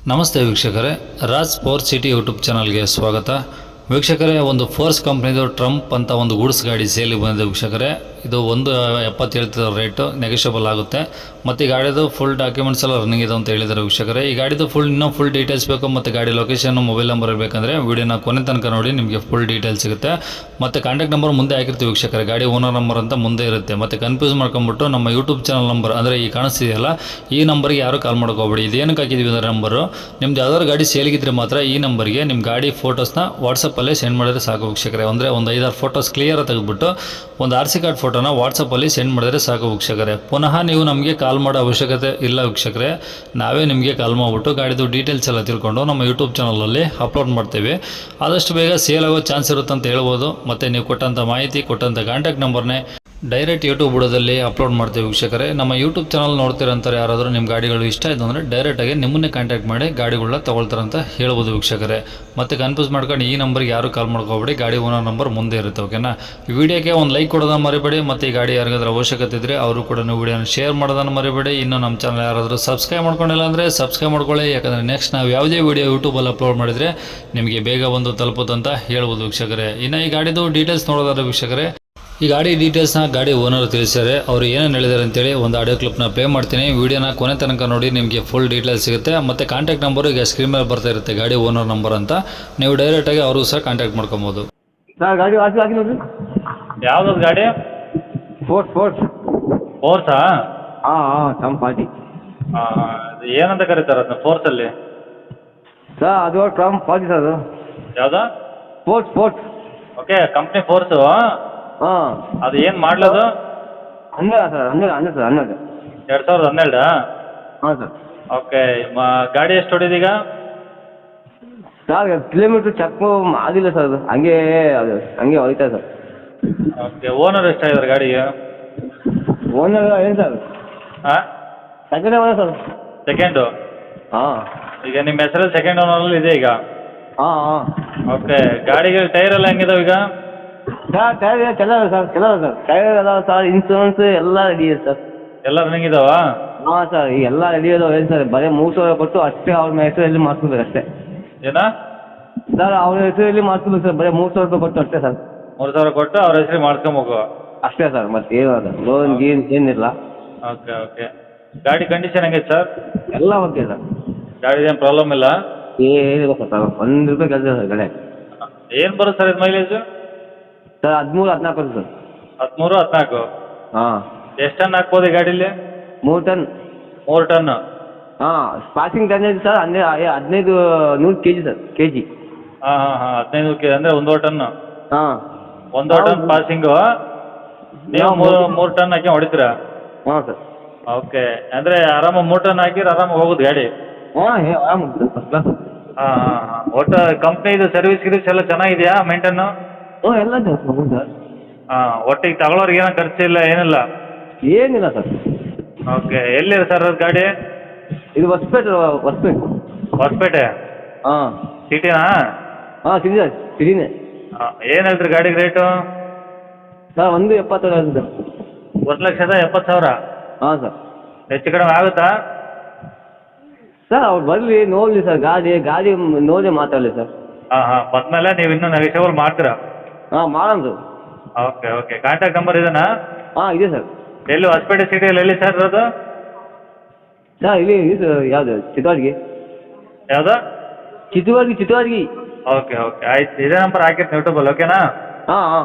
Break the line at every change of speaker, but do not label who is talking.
ನಮಸ್ತೆ ವೀಕ್ಷಕರೇ, Raj sports city YouTube ಚಾನಲ್ಗೆ ಸ್ವಾಗತ. ವೀಕ್ಷಕರೇ, ಒಂದು ಫೋರ್ಸ್ ಕಂಪ್ನಿದು ಟ್ರಂಪ್ ಅಂತ ಒಂದು ಗೂಡ್ಸ್ ಗಾಡಿ ಸೇಲಿಗೆ ಬಂದಿದೆ ವೀಕ್ಷಕರೇ. ಇದು 1.70 ಹೇಳ್ತಿರೋ ರೇಟು, ನೆಗೋಷಿಯಬಲ್ ಆಗುತ್ತೆ. ಮತ್ತು ಈ ಗಾಡಿದು ಫುಲ್ ಡಾಕ್ಯುಮೆಂಟ್ಸ್ ಎಲ್ಲ ರನ್ನಿಂಗ್ ಇದೆ ಅಂತ ಹೇಳಿದ್ದಾರೆ ವೀಕ್ಷಕರೇ. ಈ ಗಾಡಿದು ಇನ್ನೂ ಫುಲ್ ಡೀಟೇಲ್ಸ್ ಬೇಕು ಮತ್ತು ಗಾಡಿ ಲೊಕೇಶನ್, ಮೊಬೈಲ್ ನಂಬರ್ ಬೇಕಂದರೆ ವೀಡಿಯೋನ ಕೊನೆ ತನಕ ನೋಡಿ, ನಿಮಗೆ ಫುಲ್ ಡೀಟೇಲ್ಸ್ ಸಿಗುತ್ತೆ. ಮತ್ತು ಕಾಂಟ್ಯಾಕ್ಟ್ ನಂಬರ್ ಮುಂದೆ ಹಾಕಿರ್ತೀವಿ ವೀಕ್ಷಕರೇ, ಗಾಡಿ ಓನರ್ ನಂಬರ್ ಅಂತ ಮುಂದೆ ಇರುತ್ತೆ. ಮತ್ತು ಕನ್ಫ್ಯೂಸ್ ಮಾಡ್ಕೊಂಬಿಟ್ಟು ನಮ್ಮ ಯೂಟ್ಯೂಬ್ ಚಾನಲ್ ನಂಬರ್ ಅಂದರೆ ಈ ಕಾಣಿಸ್ತಿದೆಯಲ್ಲ, ಈ ನಂಬರ್ಗೆ ಯಾರು ಕಾಲ್ ಮಾಡ್ಕೋಬೇಡಿ. ಇದೇನಕ್ಕೆ ಹಾಕಿದ್ವಿ ಅಂದರೆ ನಂಬರು, ನಿಮ್ದು ಯಾವ್ದಾದ್ರು ಗಾಡಿ ಸೇಲಿಗಿದ್ರೆ ಮಾತ್ರ ಈ ನಂಬರ್ಗೆ ನಿಮ್ಮ ಗಾಡಿ ಫೋಟೋಸ್ನ ವಾಟ್ಸಪ್ಪಲ್ಲೇ ಸೆಂಡ್ ಮಾಡಿದ್ರೆ ಸಾಕು ವೀಕ್ಷಕರೇ. ಅಂದರೆ ಒಂದು 5-6 ಫೋಟೋಸ್ ಕ್ಲಿಯರ್ ತೆಗೆದುಬಿಟ್ಟು ಒಂದು RC ಕಾರ್ಡ್ ಫೋಟೋನ ವಾಟ್ಸಪ್ಪಲ್ಲಿ ಸೆಂಡ್ ಮಾಡಿದ್ರೆ ಸಾಕು ವೀಕ್ಷಕರೇ. ಪುನಃ ನೀವು ನಮಗೆ ಕಾಲ್ ಮಾಡೋ ಅವಶ್ಯಕತೆ ಇಲ್ಲ ವೀಕ್ಷಕರೇ. ನಾವೇ ನಿಮಗೆ ಕಾಲ್ ಮಾಡಿಬಿಟ್ಟು ಗಾಡಿದು ಡೀಟೇಲ್ಸ್ ಎಲ್ಲ ತಿಳ್ಕೊಂಡು ನಮ್ಮ ಯೂಟ್ಯೂಬ್ ಚಾನಲಲ್ಲಿ ಅಪ್ಲೋಡ್ ಮಾಡ್ತೀವಿ. ಆದಷ್ಟು ಬೇಗ ಸೇಲ್ ಆಗೋ ಚಾನ್ಸ್ ಇರುತ್ತೆ ಅಂತ ಹೇಳ್ಬೋದು. ಮತ್ತು ನೀವು ಕೊಟ್ಟಂಥ ಮಾಹಿತಿ, ಕೊಟ್ಟಂಥ ಕಾಂಟ್ಯಾಕ್ಟ್ ನಂಬರ್ನೇ ಡೈರೆಕ್ಟ್ ಯೂಟ್ಯೂಬ್ ಬುಡದಲ್ಲಿ ಅಪ್ಲೋಡ್ ಮಾಡ್ತೀವಿ ವೀಕ್ಷಕರೇ. ನಮ್ಮ ಯೂಟ್ಯೂಬ್ ಚಾನಲ್ ನೋಡ್ತಿರೋಂಥವ್ರು ಯಾರಾದರೂ ನಿಮ್ಮ ಗಾಡಿಗಳು ಇಷ್ಟ ಆಯಿತು ಅಂದರೆ ಡೈರೆಕ್ಟಾಗಿ ನಿಮ್ಮನ್ನೇ ಕಾಂಟ್ಯಾಕ್ಟ್ ಮಾಡಿ ಗಾಡಿಗಳನ್ನ ತೊಗೊಳ್ತಾರಂತ ಹೇಳ್ಬೋದು ವೀಕ್ಷಕರೇ. ಮತ್ತು ಕನ್ಫ್ಯೂಸ್ ಮಾಡ್ಕೊಂಡು ಈ ನಂಬರ್ಗೆ ಯಾರು ಕಾಲ್ ಮಾಡ್ಕೋಬೇಡಿ, ಗಾಡಿ ಓನರ್ ನಂಬರ್ ಮುಂದೆ ಇರುತ್ತೆ. ಓಕೆನಾ? ಈ ವಿಡಿಯೋಕ್ಕೆ ಒಂದು ಲೈಕ್ ಕೊಡೋದನ್ನು ಮರಿಬೇಡಿ. ಮತ್ತು ಈ ಗಾಡಿ ಯಾರಿಗಾದ್ರೂ ಅವಶ್ಯಕತೆ ಇದ್ದರೆ ಅವರು ಕೂಡ ನೀವು ವಿಡಿಯೋನ ಶೇರ್ ಮಾಡೋದನ್ನು ಮರಿಬೇಡಿ. ಇನ್ನು ನಮ್ಮ ಚಾನಲ್ ಯಾರಾದರೂ ಸಬ್ಸ್ಕ್ರೈಬ್ ಮಾಡ್ಕೊಂಡಿಲ್ಲ ಅಂದರೆ ಸಬ್ಸ್ಕ್ರೈಬ್ ಮಾಡ್ಕೊಳ್ಳಿ. ಯಾಕಂದರೆ ನೆಕ್ಸ್ಟ್ ನಾವು ಯಾವುದೇ ವಿಡಿಯೋ ಯೂಟ್ಯೂಬಲ್ಲಿ ಅಪ್ಲೋಡ್ ಮಾಡಿದರೆ ನಿಮಗೆ ಬೇಗ ಬಂದು ತಲುಪುತ್ತಂತ ಹೇಳ್ಬೋದು ವೀಕ್ಷಕರೇ. ಇನ್ನು ಈ ಗಾಡಿದು ಡೀಟೇಲ್ಸ್ ನೋಡೋದಾದ್ರೆ ವೀಕ್ಷಕರೇ, ಈ ಗಾಡಿ ಡೀಟೇಲ್ಸ್ನ ಗಾಡಿ ಓನರ್ ತಿಳಿಸಿದ್ದಾರೆ. ಅವರು ಏನೇನು ಹೇಳಿದ್ದಾರೆ ಅಂತೇಳಿ ಒಂದು ಆಡಿಯೋ ಕ್ಲಿಪ್ನ ಪ್ಲೇ ಮಾಡ್ತೀನಿ. ವಿಡಿಯೋನ ಕೊನೆ ತನಕ ನೋಡಿ, ನಿಮಗೆ ಫುಲ್ ಡೀಟೇಲ್ಸ್ ಸಿಗುತ್ತೆ. ಮತ್ತು ಕಾಂಟ್ಯಾಕ್ಟ್ ನಂಬರು ಈಗ ಸ್ಕ್ರೀನ್ ಮೇಲೆ ಬರ್ತಾ ಇರುತ್ತೆ, ಗಾಡಿ ಓನರ್ ನಂಬರ್ ಅಂತ. ನೀವು ಡೈರೆಕ್ಟಾಗಿ ಅವ್ರಿಗೂ ಸಹ ಕಾಂಟ್ಯಾಕ್ಟ್ ಮಾಡ್ಕೊಬೋದು.
ಸರ್ ಗಾಡಿ ಹಾಕಿ ನೋಡ್ರಿ.
ಯಾವ್ದು ಗಾಡಿ? ಫೋರ್ಸಾ?
ಟಮ್ ಪಾರ್ಟಿ.
ಏನಂತ ಕರೀತಾರೆ ಅದನ್ನ ಫೋರ್ಸಲ್ಲಿ?
ಸರ್ ಅದು ಟಮ್ ಪಾರ್ಟಿ ಸರ್. ಅದು
ಯಾವ್ದು?
ಸ್ಪೋರ್ಟ್ಸ್.
Okay, company Force.
ಹಾಂ,
ಅದು ಏನು ಮಾಡಲದು?
12 ಸರ್. 12 ಸರ್. 12
2012?
ಹಾಂ ಸರ್.
ಓಕೆ, ಗಾಡಿ ಎಷ್ಟು ಹೊಡಿದೀಗ?
ಸರ್ ಕಿಲೋಮೀಟ್ರ್ ಚೆಕ್ ಆಗಿಲ್ಲ ಸರ್. ಅದು ಹಂಗೆ ಹೋಯ್ತಾ ಸರ್.
ಓಕೆ, ಓನರ್ ಎಷ್ಟಾಗಿದ್ದಾರೆ ಗಾಡಿಗೆ?
ಓನರ್ ಏನು ಸರ್?
ಹಾಂ,
ಸೆಕೆಂಡ್ ಓನರ್ ಸರ್.
ಸೆಕೆಂಡು?
ಹಾಂ.
ಈಗ ನಿಮ್ಮ ಹೆಸರಲ್ಲಿ ಸೆಕೆಂಡ್ ಓನರಲ್ಲಿ ಇದೆ ಈಗ?
ಹಾಂ.
ಓಕೆ, ಗಾಡಿಗೆ ಟೈರ್ ಎಲ್ಲ ಹೆಂಗಿದಾವೆ ಈಗ?
ಸರ್ ಟೈರ್ ಚೆನ್ನಾಗಿದೆ ಸರ್. ಟೈರ್ ಎಲ್ಲ ಸರ್, ಇನ್ಸೂರೆನ್ಸ್ ಎಲ್ಲ ರೆಡಿ ಇದೆ ಸರ್.
ಎಲ್ಲ ರನ್ನಿಂಗ್ ಇದಾವ?
ಹಾಂ ಸರ್, ಈಗ ಎಲ್ಲ ರೆಡಿ ಇದಾವೆ. ಏನು ಸರ್, ಬರೀ 3,000 ಕೊಟ್ಟು ಅಷ್ಟೇ ಅವ್ರ ಹೆಸರಲ್ಲಿ ಮಾಡಿಸ್ಬೇಕು ಅಷ್ಟೇ.
ಏನ
ಸರ್ ಅವ್ರ ಹೆಸರಲ್ಲಿ ಮಾಡಿಸ್ಬೇಕು ಸರ್, ಬರೀ 3,000 ರೂಪಾಯಿ ಕೊಟ್ಟು ಅಷ್ಟೇ ಸರ್.
3,000 ಕೊಟ್ಟು ಅವ್ರ ಹೆಸರಿಗೆ ಮಾಡ್ಕೊಬೇಕು
ಅಷ್ಟೇ ಸರ್, ಮತ್ತೆ ಏನು ಅದ ಲೋನ್ ಗೀನ್ ಏನಿಲ್ಲ.
ಓಕೆ. ಗಾಡಿ ಕಂಡೀಷನ್ ಹೆಂಗೈತೆ ಸರ್?
ಎಲ್ಲ ಓಕೆ ಸರ್.
ಗಾಡಿದೇನು ಪ್ರಾಬ್ಲಮ್ ಇಲ್ಲ?
ಏನಿಲ್ಲ ಸರ್, 1 ರೂಪಾಯಿ ಕೆಲಸ ಸರ್ ಗಾಡಿ.
ಏನು ಬರುತ್ತೆ ಸರ್ ಇದು ಮೈಲೇಜು?
ಸರ್ 13-14 ಬರುತ್ತೆ ಸರ್.
13-14?
ಹಾಂ.
ಎಷ್ಟು ಟನ್ ಹಾಕ್ಬೋದು ಈ ಗಾಡೀಲಿ?
3 ಟನ್.
3 ಟನ್?
ಹಾಂ, passing tonnage sir 100 kg sir, kg.
ಹಾಂ 15 ಕೆ ಅಂದರೆ 1 ಟನ್?
ಹಾಂ,
1 ಟನ್ ಪಾಸಿಂಗು. ನೀವು 3 ಟನ್ ಹಾಕಿ ಹೊಡಿತೀರಾ?
ಹಾಂ ಸರ್.
ಓಕೆ, ಅಂದರೆ ಆರಾಮಾಗಿ 3 ಟನ್ ಹಾಕಿದ್ರೆ ಆರಾಮಾಗಿ ಹೋಗೋದು ಗಾಡಿ?
ಹಾಂ, ಆರಾಮ ಫಸ್ಟ್ ಕ್ಲಾಸ್.
ಹಾಂ. ಒಟ್ಟು ಕಂಪ್ನಿದು ಸರ್ವಿಸ್ ಗಿರ್ವಿಸ್ ಎಲ್ಲ ಚೆನ್ನಾಗಿದೆಯಾ ಮೇಂಟನ್ನು?
ಹ್ಞೂ, ಎಲ್ಲ ಸರ್.
ಹಾಂ, ಒಟ್ಟಿಗೆ ತಗೊಳ್ಳೋರಿಗೆ ಏನೋ ಖರ್ಚು ಇಲ್ಲ, ಏನಿಲ್ಲ?
ಏನಿಲ್ಲ ಸರ್.
ಓಕೆ, ಎಲ್ಲಿದೆ ಸರ್ ಅದು ಗಾಡಿ?
ಇದು ಹೊಸಪೇಟೆ.
ಹೊಸಪೇಟೆ?
ಹಾಂ.
ಸಿಟಿನಾ?
ಹಾಂ, ಸಿಟಿನೇ.
ಹಾಂ, ಏನು ಹೇಳ್ತೀರಿ ಗಾಡಿಗೆ ರೇಟು?
ಸರ್ 1,70,000 ಆಗಿದೆ ಸರ್.
1,70,000?
ಹಾಂ ಸರ್.
ಹೆಚ್ಚು ಕಡಿಮೆ ಆಗುತ್ತಾ?
ಸರ್ ಅವ್ರು ಬರಲಿ ನೋಡಲಿ ಸರ್, ಗಾಡಿ ನೋಡಿ ಮಾತಾಡಲಿ ಸರ್.
ಹಾಂ. ಬಂದಮೇಲೆ ನೀವು ಇನ್ನೂ ನೆಗೋಷಿಯಬಲ್ ಮಾಡ್ತೀರಾ?
ಹಾಂ, ಮಾಡೋಣ ಸರ್.
ಓಕೆ. ಕಾಂಟ್ಯಾಕ್ಟ್ ನಂಬರ್ ಇದೆನಾ?
ಹಾಂ, ಇದೆ ಸರ್.
ಎಲ್ಲಿ ಹೊಸಪೇಟೆ ಸಿಟಿಯಲ್ಲಿ ಎಲ್ಲಿ ಸರ್ ಅದು?
ಸರ್ ಇಲ್ಲಿ ಯಾವುದು ಚಿತ್ರವಾರ್ಗಿ.
ಯಾವುದು?
ಚಿತ್ರವಾರ್ಗಿ.
ಓಕೆ. ಆಯ್ತು, ಇದೇ ನಂಬರ್ ಹಾಕಿರ್ತೀನಿ ಯೂಟ್ಯೂಬಲ್ಲಿ. ಓಕೆನಾ?
ಹಾಂ.